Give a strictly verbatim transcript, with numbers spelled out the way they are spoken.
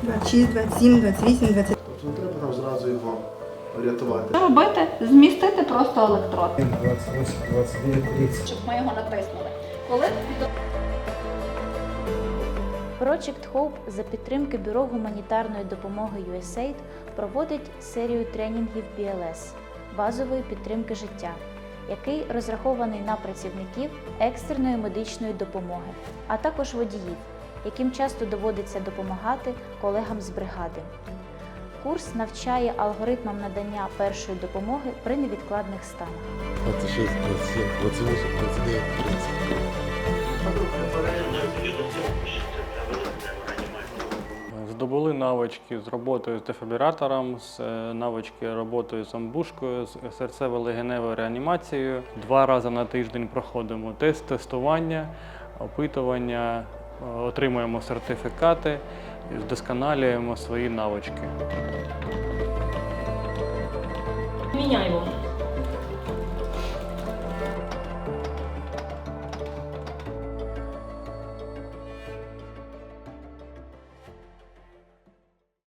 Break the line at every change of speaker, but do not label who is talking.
двадцять шість, двадцять сім, двадцять вісім, двадцять.
Тобто не треба там зразу його рятувати.
Що робити? Змістити просто електрод.
двадцять вісім, двадцять дев'ять, тридцять.
Щоб ми його натиснули. Коли
Project Hope за підтримки Бюро гуманітарної допомоги ю ес ей ай ді проводить серію тренінгів бі ел ес – базової підтримки життя, який розрахований на працівників екстреної медичної допомоги, а також водіїв, яким часто доводиться допомагати колегам з бригади. Курс навчає алгоритмам надання першої допомоги при невідкладних станах.
двадцять шість, двадцять сім, двадцять вісім, двадцять дев'ять, тридцять.
Здобули навички з роботою з дефібрилятором, з навички роботою з амбушкою, з серцево-легеневою реанімацією. Два рази на тиждень проходимо тест, тестування, опитування, отримуємо сертифікати і вдосконалюємо свої навички.
Міняємо.